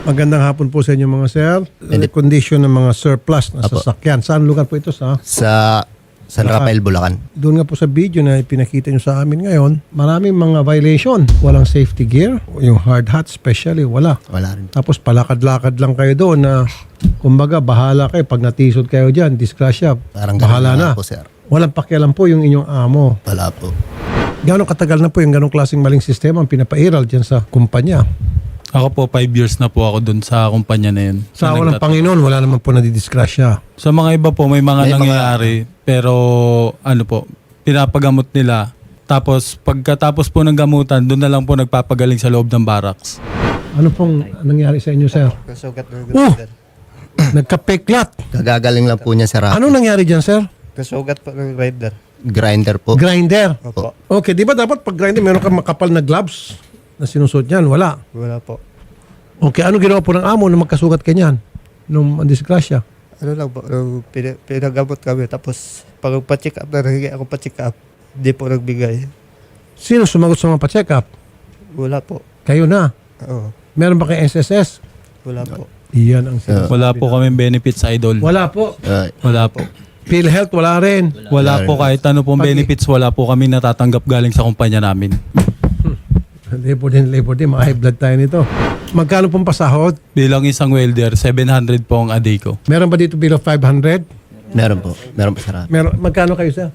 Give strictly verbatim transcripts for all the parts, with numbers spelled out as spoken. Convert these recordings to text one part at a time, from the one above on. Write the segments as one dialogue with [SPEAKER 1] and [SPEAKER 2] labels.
[SPEAKER 1] Magandang hapon po sa inyo mga sir. Condition ng mga surplus na
[SPEAKER 2] Apo.
[SPEAKER 1] sasakyan. Saan lugar po ito sa?
[SPEAKER 2] Sa San Rafael, Bulacan.
[SPEAKER 1] Doon nga po sa video na pinakita nyo sa amin ngayon, maraming mga violation. Walang safety gear, yung hard hat especially, wala.
[SPEAKER 2] Wala rin.
[SPEAKER 1] Tapos palakad-lakad lang kayo doon na kumbaga bahala kayo pag natisod kayo dyan, disgrasya,
[SPEAKER 2] Parang
[SPEAKER 1] bahala
[SPEAKER 2] ganun
[SPEAKER 1] na.
[SPEAKER 2] po, sir.
[SPEAKER 1] Walang pakialam po yung inyong amo.
[SPEAKER 2] Wala po.
[SPEAKER 1] Gano'ng katagal na po yung ganong klaseng maling sistema ang pinapairal dyan sa kumpanya?
[SPEAKER 3] Ako po, five years na po ako dun sa kumpanya na yun.
[SPEAKER 1] Sa
[SPEAKER 3] Na
[SPEAKER 1] awa ng
[SPEAKER 3] nagtat-
[SPEAKER 1] Panginoon, wala naman po nadidisgrasya.
[SPEAKER 3] Sa mga iba po, may mga
[SPEAKER 2] May mga-
[SPEAKER 3] nangyayari. Pero ano po, pinapagamot nila. Tapos pagkatapos po ng gamutan, doon na lang po nagpapagaling sa loob ng barracks.
[SPEAKER 1] Ano pong nangyari sa inyo, sir?
[SPEAKER 4] Kasugat ng
[SPEAKER 1] Oh!
[SPEAKER 4] grinder.
[SPEAKER 1] Nagkapeklat.
[SPEAKER 2] Gagagaling lang po niya sa Rapi.
[SPEAKER 1] Anong nangyari dyan, sir?
[SPEAKER 4] Kasugat po ng grinder.
[SPEAKER 2] Grinder po.
[SPEAKER 1] Grinder.
[SPEAKER 4] Opo.
[SPEAKER 1] Okay, di ba dapat pag grinder, meron kang makapal na gloves na sinusuot niyan? Wala.
[SPEAKER 4] Wala po.
[SPEAKER 1] Okay, ano ginawa po ng amo na magkasugat ka niyan? Nung disgrasya?
[SPEAKER 4] Ano lang po, nung pina- pinagamot kami. Tapos pag pa-check up na nahingi ako pa-check up, hindi po nagbigay.
[SPEAKER 1] Sino sumagot sa mga pa-check up?
[SPEAKER 4] Wala po.
[SPEAKER 1] Kayo na.
[SPEAKER 4] Oo.
[SPEAKER 1] Meron ba kay S S S?
[SPEAKER 4] Wala po.
[SPEAKER 1] Iyan ang sinasabi.
[SPEAKER 3] Wala po kami benefits, idol.
[SPEAKER 1] Wala po.
[SPEAKER 2] Uh,
[SPEAKER 3] Wala po.
[SPEAKER 1] PhilHealth, wala rin.
[SPEAKER 3] Wala po kahit ano pong
[SPEAKER 1] Pag-
[SPEAKER 3] benefits, wala po kami natatanggap galing sa kumpanya namin.
[SPEAKER 1] Labor din, labor din. Mga high blood tayo nito. Magkano pong pasahod?
[SPEAKER 3] Bilang isang welder, seven hundred po ang a day ko.
[SPEAKER 1] Meron ba dito below five hundred?
[SPEAKER 2] meron po. Meron po sa Rapi.
[SPEAKER 1] Meron, magkano kayo, sir?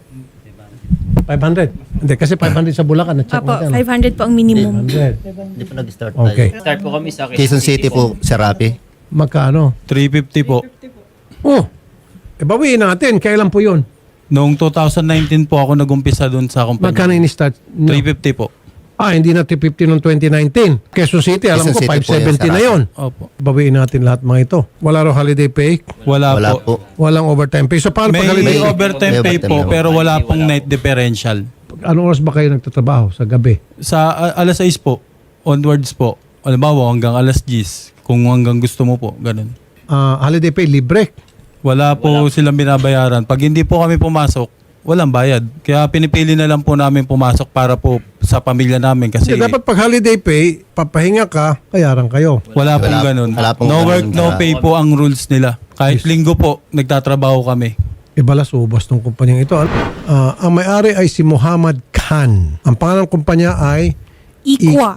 [SPEAKER 1] five hundred? Hindi, kasi five hundred sa Bulacan. Na-check
[SPEAKER 5] Apo,
[SPEAKER 1] magkano?
[SPEAKER 5] five hundred po ang minimum.
[SPEAKER 1] five hundred.
[SPEAKER 2] Hindi po nag-start
[SPEAKER 1] Okay.
[SPEAKER 6] Start po kami sa
[SPEAKER 2] Quezon City po sa Rapi.
[SPEAKER 1] Magkano?
[SPEAKER 3] three fifty po.
[SPEAKER 1] Oh, e bawiin natin. Kailan po yun?
[SPEAKER 3] Noong two thousand nineteen po ako nag-umpisa dun sa
[SPEAKER 1] Magkano
[SPEAKER 3] kumpanya.
[SPEAKER 1] in-start? No.
[SPEAKER 3] three fifty po.
[SPEAKER 1] Ah, hindi na three fifty noong twenty nineteen. Quezon City, alam
[SPEAKER 2] Quezon
[SPEAKER 1] ko,
[SPEAKER 2] City
[SPEAKER 1] five
[SPEAKER 2] po yan,
[SPEAKER 1] seventy na
[SPEAKER 2] sarap.
[SPEAKER 1] yun.
[SPEAKER 3] Opo.
[SPEAKER 1] Bawiin natin lahat mga ito. Wala raw holiday pay.
[SPEAKER 3] Wala,
[SPEAKER 2] Wala
[SPEAKER 3] po.
[SPEAKER 2] po.
[SPEAKER 1] Walang overtime pay. So, paano
[SPEAKER 3] May,
[SPEAKER 1] pag holiday?
[SPEAKER 2] May-
[SPEAKER 3] overtime
[SPEAKER 2] may
[SPEAKER 3] pay
[SPEAKER 2] overtime
[SPEAKER 3] po,
[SPEAKER 2] naman.
[SPEAKER 3] pero wala pong night differential.
[SPEAKER 1] Anong oras ba kayo nagtatrabaho sa gabi?
[SPEAKER 3] Sa a- alas sais po, onwards po. Halimbawa, hanggang alas diyes. Kung hanggang gusto mo po, ganun.
[SPEAKER 1] Ah, holiday pay, libre.
[SPEAKER 3] Wala po silang binabayaran. Pag hindi po kami pumasok, walang bayad. Kaya pinipili na lang po namin pumasok para po sa pamilya namin kasi
[SPEAKER 1] Kasi dapat pag holiday pay, papahinga ka, bayaran kayo.
[SPEAKER 3] wala pong
[SPEAKER 2] Wala-
[SPEAKER 3] ganun.
[SPEAKER 2] wala pong
[SPEAKER 3] No
[SPEAKER 2] ganun
[SPEAKER 3] work, no
[SPEAKER 2] sa-
[SPEAKER 3] pay po ang rules nila. Kahit linggo po, nagtatrabaho kami.
[SPEAKER 1] Ibalas ubos ng kumpanyang ito. Ah, ang may-ari ay si Muhammad Khan. Ang pangalan ng kumpanya ay
[SPEAKER 5] Equa.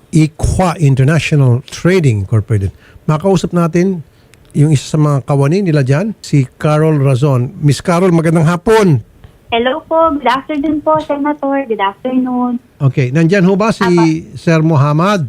[SPEAKER 1] Equa International Trading Incorporated. Makausap natin yung isa sa mga kawani nila dyan, si Carol Razon. Miss Carol, magandang hapon.
[SPEAKER 7] Hello po. Good afternoon po, Senator. Good afternoon.
[SPEAKER 1] Okay, nandyan ho ba si Sir Muhammad?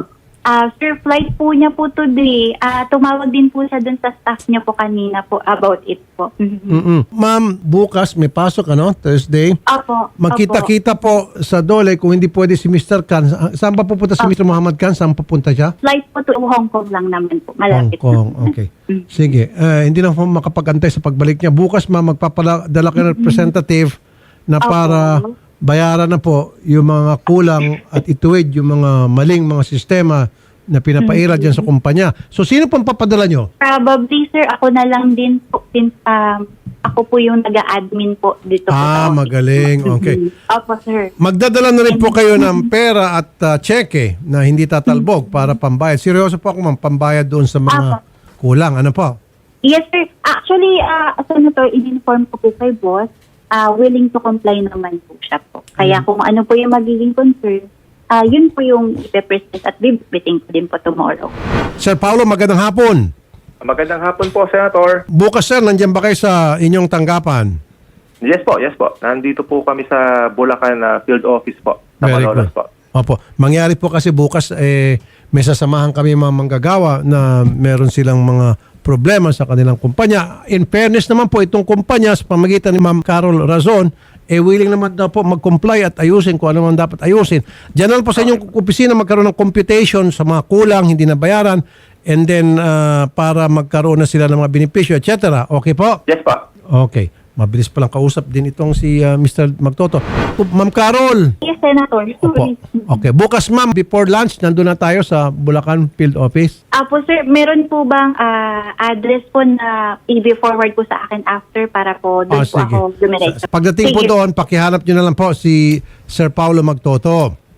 [SPEAKER 7] Ah, sir, flight po niya po today. Ah, tumawag din po siya dun sa staff niya po kanina po about it po. Mhm.
[SPEAKER 1] Mm-mm. Ma'am, bukas may pasok, ano? Thursday.
[SPEAKER 7] Opo.
[SPEAKER 1] Magkita-kita po sa Dole kung hindi pwede si Mister Khan. Sa- Saan pa pupunta si Mister Muhammad Khan? Saan pupunta siya?
[SPEAKER 7] Flight po to Hong Kong lang naman po.
[SPEAKER 1] Hong
[SPEAKER 7] Malapit
[SPEAKER 1] Kong.
[SPEAKER 7] na.
[SPEAKER 1] Okay. Sige. Eh, hindi na po makapag-antay sa pagbalik niya. Bukas, ma'am, magpapadala kayo ng representative na para bayaran na po yung mga kulang at ituwid yung mga maling mga sistema na pinapaira dyan sa kumpanya. So, sino pang papadala nyo?
[SPEAKER 7] Probably, sir, ako na lang din po since um, ako po yung nag-a-admin po dito po
[SPEAKER 1] Ah,
[SPEAKER 7] sa office.
[SPEAKER 1] magaling. Okay.
[SPEAKER 7] Mhm. Opo, sir.
[SPEAKER 1] Magdadala na rin po kayo ng pera at uh, cheque na hindi tatalbog para pambayad. Seryoso po ako, ma'am, pambayad doon sa mga kulang. Ano po?
[SPEAKER 7] Yes, sir. Actually, uh, Senator, in-inform ko po kay boss, uh, willing to comply naman po siya po. Kaya kung ano po yung magiging concern, uh, yun po yung ipe-present at bibiting ko din po tomorrow.
[SPEAKER 1] Sir Paulo, magandang hapon.
[SPEAKER 8] Magandang hapon po, Senator.
[SPEAKER 1] Bukas, sir, nandiyan ba kayo sa inyong tanggapan?
[SPEAKER 8] Yes po, yes po. Nandito po kami sa Bulacan uh, Field Office po. Sa
[SPEAKER 1] Very
[SPEAKER 8] Malolos
[SPEAKER 1] good.
[SPEAKER 8] po.
[SPEAKER 1] Opo. Mangyari po kasi bukas, eh, may sasamahan kami mga manggagawa na meron silang mga problema sa kanilang kumpanya. In fairness naman po, itong kumpanya sa pamagitan ni Ma'am Carol Razon, eh willing naman daw po mag-comply at ayusin kung ano man dapat ayusin. Diyan na lang po sa inyong opisina magkaroon ng computation sa mga kulang, hindi na bayaran, and then uh, para magkaroon na sila ng mga benepisyo, et cetera. Okay po?
[SPEAKER 8] Yes po.
[SPEAKER 1] Okay. Mabilis palang kausap din itong si uh, Mister Magtoto. Oh, Ma'am Carol.
[SPEAKER 7] Yes, Senator.
[SPEAKER 1] Opo. Okay. Bukas, ma'am, before lunch, nandun na tayo sa Bulacan Field Office.
[SPEAKER 7] Apo, sir, meron po bang ah, address po na i-forward po sa akin after para po
[SPEAKER 1] Ah,
[SPEAKER 7] doon po ako dumiretso?
[SPEAKER 1] Sa- Pagdating po
[SPEAKER 7] Sige.
[SPEAKER 1] doon, pakihanap nyo na lang po si Sir Paulo Magtoto.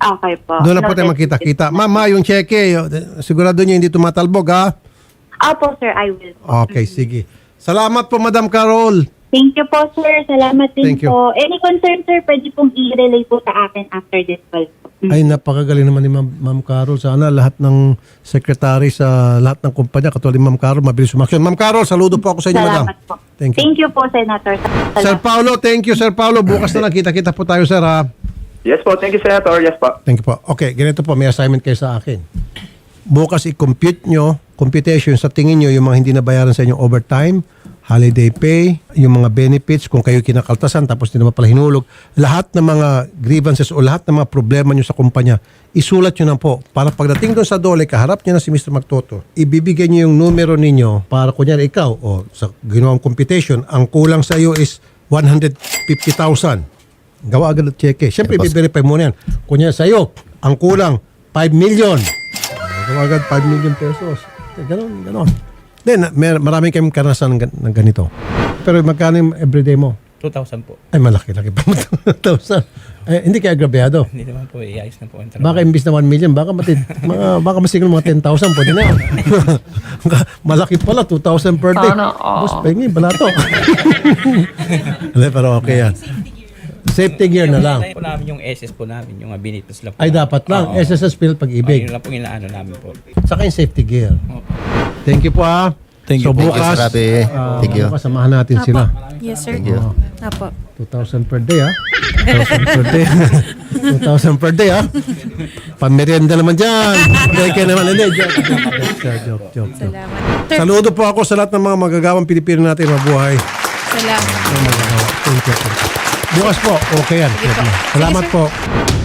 [SPEAKER 7] Okay po.
[SPEAKER 1] Doon na po tayo
[SPEAKER 7] Noted.
[SPEAKER 1] magkita-kita. Mama, yung cheque, sigurado nyo hindi tumatalbog, ha?
[SPEAKER 7] Opo, sir. I will po.
[SPEAKER 1] Okay, sige. Salamat po, Madam Carol.
[SPEAKER 7] Thank you po, sir. Salamat din
[SPEAKER 1] Thank you.
[SPEAKER 7] po. Any concern, sir, pwede pong i-relay po sa akin after this call po. Mm.
[SPEAKER 1] Ay, napakagaling naman ni Ma'am, Ma'am Carol. Sana lahat ng secretary sa lahat ng kumpanya, katulad ni Ma'am Carol, mabilis umaksyon. Ma'am Carol, saludo po ako sa inyo, Madam.
[SPEAKER 7] Salamat po.
[SPEAKER 1] Thank you.
[SPEAKER 7] Thank you po, Senator. Salamat.
[SPEAKER 1] Sir Paulo, thank you, Sir Paulo. Bukas na lang, kita-kita po tayo, sir, ha?
[SPEAKER 8] Yes po, thank you, Senator. Yes po.
[SPEAKER 1] Thank you po. Okay, ganito po, may assignment kayo sa akin. Bukas i-compute nyo, computation, sa tingin nyo yung mga hindi nabayaran sa inyong overtime, holiday pay, yung mga benefits, kung kayo kinakaltasan tapos hindi naman pala hinulog, lahat ng mga grievances o lahat ng mga problema nyo sa kumpanya, isulat nyo na po. Para pagdating doon sa dole, kaharap nyo na si Mister Magtoto, ibibigay nyo yung numero ninyo para kunyari ikaw, o sa ginawang computation, ang kulang sa iyo is one hundred fifty thousand. Gawa agad at cheque. Siyempre, i-verify mo na yan. Kunyari sa iyo, ang kulang five million. Gawa agad five million pesos. Ganon, ganon. Then, mer- maraming kayong karanasan ng, gan- ng ganito. Pero magkano yung everyday mo?
[SPEAKER 6] two thousand po.
[SPEAKER 1] Ay, malaki-laki pa. two thousand. Eh, hindi kaya agrabyado.
[SPEAKER 6] Hindi naman po, iayos na po ang trabaho.
[SPEAKER 1] Baka imbis na one million, baka matid, mga, baka masigil mga ten thousand, pwede na yan. Malaki pala, two thousand per day. Boss, pahingi, balato. Hindi, pero okay yan. Safety gear na lang.
[SPEAKER 6] Po namin yung S S po namin, yung benefits lang po.
[SPEAKER 1] Ay, dapat lang.
[SPEAKER 6] Oo.
[SPEAKER 1] S S S Pill
[SPEAKER 6] Oh,
[SPEAKER 1] Pag-ibig.
[SPEAKER 6] yun lang po inaano namin po.
[SPEAKER 1] Saka yung safety gear. Thank you po, ha.
[SPEAKER 3] Thank you
[SPEAKER 1] So,
[SPEAKER 3] po.
[SPEAKER 1] bukas,
[SPEAKER 2] Thank you, Sir Rafi.
[SPEAKER 1] ah,
[SPEAKER 2] Thank you.
[SPEAKER 1] bukas, samahan natin sila.
[SPEAKER 5] Yes, sir.
[SPEAKER 2] Thank you.
[SPEAKER 5] Apo.
[SPEAKER 1] two thousand per day, ha? two thousand per day. two thousand per day, ha? Pamerienda naman dyan. Pwede naman. Hindi, joke, joke, joke, joke, joke.
[SPEAKER 5] Salamat. Sir,
[SPEAKER 1] Saludo po ako sa lahat ng mga magagawang Pilipino natin mabuhay.
[SPEAKER 5] salamat.
[SPEAKER 1] Thank you. Bukas po, okay yan. Salamat po.